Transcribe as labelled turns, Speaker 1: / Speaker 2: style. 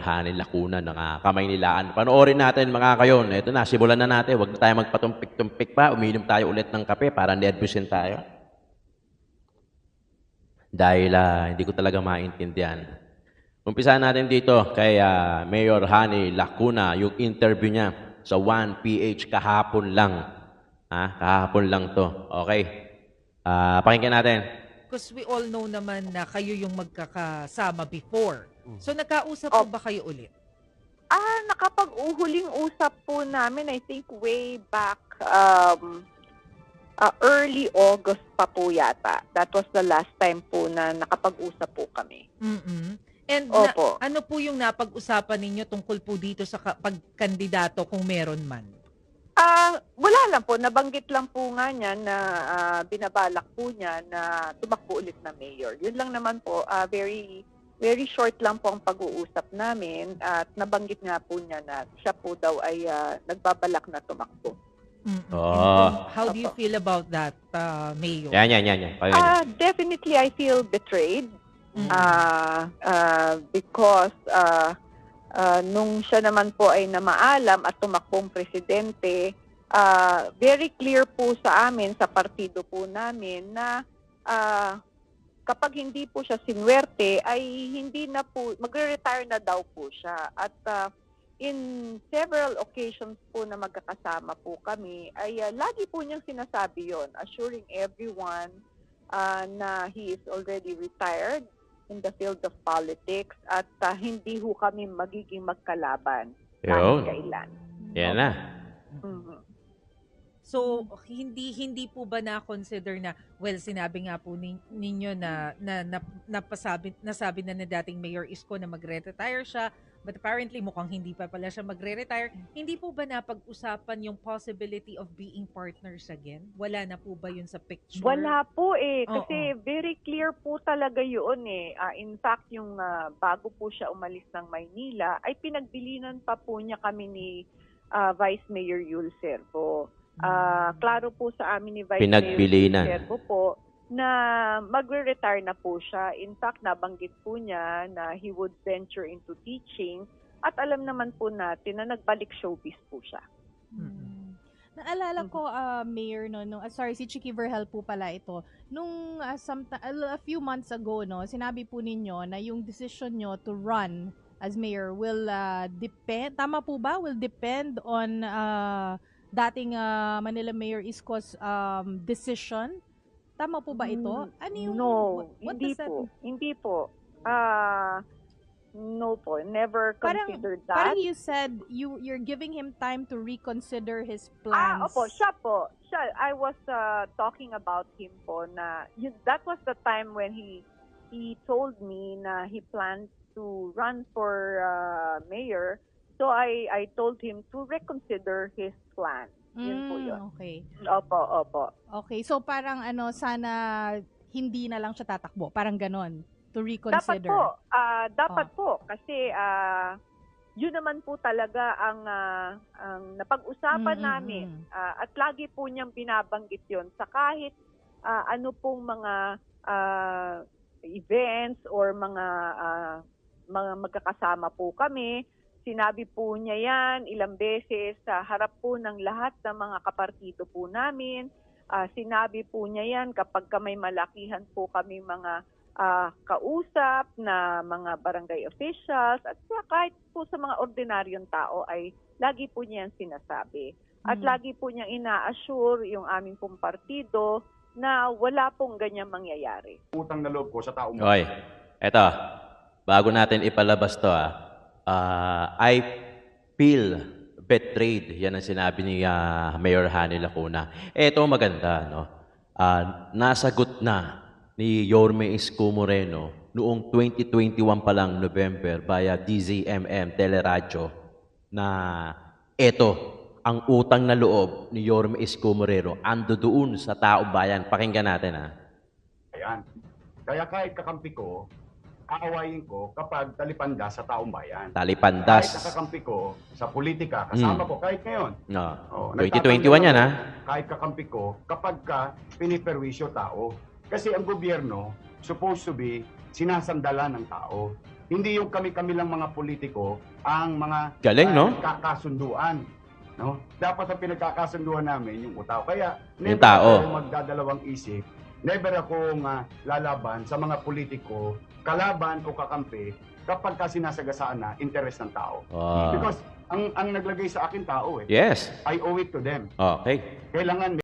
Speaker 1: Hani Lacuna ng Kamaynilaan. Panoorin natin mga kayon. Ito na, simulan na natin. Huwag na tayo magpatumpik-tumpik pa. Uminom tayo ulit ng kape para nervousin tayo. Dahil hindi ko talaga maintindihan. Umpisahan natin dito kay Mayor Hani Lacuna, yung interview niya sa 1PH kahapon lang. Kahapon lang to. Okay. Pakinggan natin.
Speaker 2: Because we all know naman na kayo yung magkakasama before. So nagkausap po ba kayo ulit?
Speaker 3: Nakapag-uhuling usap po namin, I think way back early August pa po yata. That was the last time po na nakapag-usap po kami.
Speaker 2: And
Speaker 3: Opo.
Speaker 2: ano po yung napag-usapan ninyo tungkol po dito sa pagkandidato kung meron man?
Speaker 3: Wala lang po. Nabanggit lang po nga niya na binabalak po niya na tumakbo ulit na mayor. Yun lang naman po. Very very short lang po ang pag-uusap namin at nabanggit nga po niya na siya po daw ay nagbabalak na tumakbo.
Speaker 2: How do you feel about that, Mayor?
Speaker 1: Yan.
Speaker 3: Definitely, I feel betrayed because nung siya naman po ay namaalam at tumakbong presidente, very clear po sa amin, sa partido po namin, na kapag hindi po siya sinwerte, ay hindi na po, magre-retire na daw po siya. At in several occasions po na magkakasama po kami, ay lagi po niyang sinasabi yon, assuring everyone na he is already retired in the field of politics at hindi ho kami magiging magkalaban kahit kailan.
Speaker 1: Yan na.
Speaker 2: So, hindi po ba na-consider na, well, sinabi nga po ninyo na nasabi na ni dating Mayor Isko na magre-retire siya, but apparently mukhang hindi pa pala siya magre-retire. Hindi po ba napag-usapan yung possibility of being partners again? Wala na po ba yun sa picture?
Speaker 3: Wala po kasi very clear po talaga yun in fact, yung bago po siya umalis ng Maynila, ay pinagbilinan pa po niya kami ni Vice Mayor Yul Servo. Klaro po sa amin ni Vice Mayor Yul Servo po na magre-retire na po siya. In fact, nabanggit po niya na he would venture into teaching at alam naman po natin na nagbalik showbiz po siya.
Speaker 4: Naalala ko, Mayor, sorry, si Chicky Verhel po pala ito. Nung a few months ago, sinabi po ninyo na yung decision nyo to run as mayor will depend, tama po ba? Will depend on dating Manila Mayor Isko's decision? Tama po ba ito? Ano yung,
Speaker 3: no, hindi po. No po, never considered that.
Speaker 4: Parang you said you're giving him time to reconsider his plans.
Speaker 3: Opo, siya po. I was talking about him po na that was the time when he told me na he planned to run for mayor. So I told him to reconsider his plan. Yun po yun.
Speaker 4: Okay.
Speaker 3: Opo.
Speaker 4: Okay, so parang sana hindi na lang siya tatakbo. Parang ganon. To reconsider.
Speaker 3: Dapat po. Kasi yun naman po talaga ang napag-usapan namin. At lagi po niyang binabanggit yun sa kahit ano pong mga events or mga magkakasama po kami. Sinabi po niya yan ilang beses sa harap po ng lahat ng mga kapartido po namin. Sinabi po niya yan kapag may malakihan po kami mga kausap na mga barangay officials at kahit po sa mga ordinaryong tao ay lagi po niya yan sinasabi. At lagi po niyang ina-assure yung aming pong partido na wala pong ganyang mangyayari.
Speaker 5: Utang na loob ko sa taong...
Speaker 1: Okay. Eto, bago natin ipalabas to I feel betrayed. Yan ang sinabi ni Mayor Hani Lacuna. Ito maganda, no? Nasagot na ni Yorme Isko Moreno noong 2021 pa lang, November, via DZMM Teleradyo, na ito, ang utang na loob ni Yorme Isko Moreno ando doon sa taong bayan. Pakinggan natin,
Speaker 5: Ayan. Kaya kahit kakampi ko, aawayin ko kapag talipanda sa taong bayan.
Speaker 1: Talipandas.
Speaker 5: Kahit nakakampi ko sa politika, kasama ko kahit ngayon.
Speaker 1: No.
Speaker 5: Oh,
Speaker 1: 2021 yan,
Speaker 5: Kahit kakampi ko kapag piniperwisyo tao. Kasi ang gobyerno, supposed to be, sinasandalan ng tao. Hindi yung kami-kami lang mga politiko ang mga
Speaker 1: Galing, no?
Speaker 5: kasunduan. No? Dapat sa pinagkakasunduan namin yung tao. Kaya
Speaker 1: Yung
Speaker 5: never
Speaker 1: tao.
Speaker 5: ako magdadalawang isip, never akong lalaban sa mga politiko, kalaban o kakampi kapag ka sinasagasaan na interes ng tao.
Speaker 1: Ah.
Speaker 5: Because ang naglagay sa akin tao eh.
Speaker 1: Yes.
Speaker 5: I owe it to them.
Speaker 1: Okay.
Speaker 5: Kailangan